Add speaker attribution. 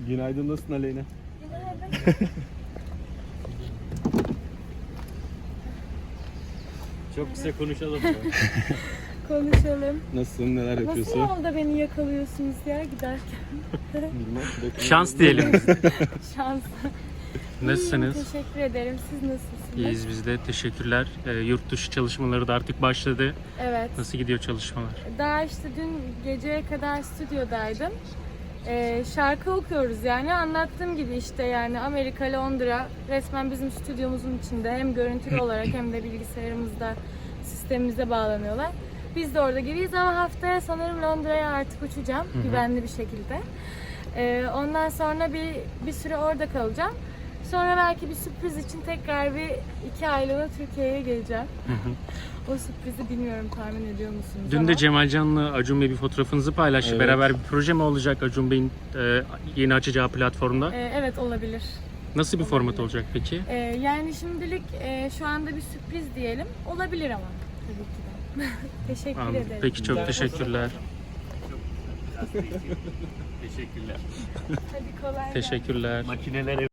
Speaker 1: Günaydın, nasılsın Aleyna?
Speaker 2: Günaydın.
Speaker 1: Çok kısa konuşalım.
Speaker 2: Konuşalım.
Speaker 1: Nasılsın, neler yapıyorsun?
Speaker 2: Nasıl yolda beni yakalıyorsunuz ya giderken?
Speaker 1: Bilmem.
Speaker 3: Şans diyelim.
Speaker 2: Şans.
Speaker 3: Nasılsınız?
Speaker 2: İyiyim, teşekkür ederim. Siz nasılsınız?
Speaker 3: İyiyiz biz de. Teşekkürler. Yurt dışı çalışmaları da artık başladı.
Speaker 2: Evet.
Speaker 3: Nasıl gidiyor çalışmalar?
Speaker 2: Daha işte dün geceye kadar stüdyodaydım. Şarkı okuyoruz yani. Anlattığım gibi işte yani Amerika, Londra resmen bizim stüdyomuzun içinde. Hem görüntülü olarak hem de bilgisayarımızda, sistemimize bağlanıyorlar. Biz de orada gibiyiz ama haftaya sanırım Londra'ya artık uçacağım güvenli bir şekilde. Ondan sonra bir süre orada kalacağım. Sonra belki bir sürpriz için tekrar bir 2 aylığına Türkiye'ye geleceğim. O sürprizi bilmiyorum, tahmin ediyor musunuz?
Speaker 3: Dün
Speaker 2: ama...
Speaker 3: de Cemal Can'la Acun Bey bir fotoğrafınızı paylaştı.
Speaker 1: Evet.
Speaker 3: Beraber bir proje mi olacak Acun Bey'in yeni açacağı platformda?
Speaker 2: Evet, olabilir.
Speaker 3: Nasıl bir format olacak peki?
Speaker 2: Yani şimdilik şu anda bir sürpriz diyelim. Olabilir ama tabii ki de. Teşekkür
Speaker 3: Anladım.
Speaker 2: ederim.
Speaker 3: Peki çok teşekkürler.
Speaker 1: Teşekkürler.
Speaker 2: Hadi kolay gelsin.
Speaker 3: Teşekkürler.
Speaker 1: Makineler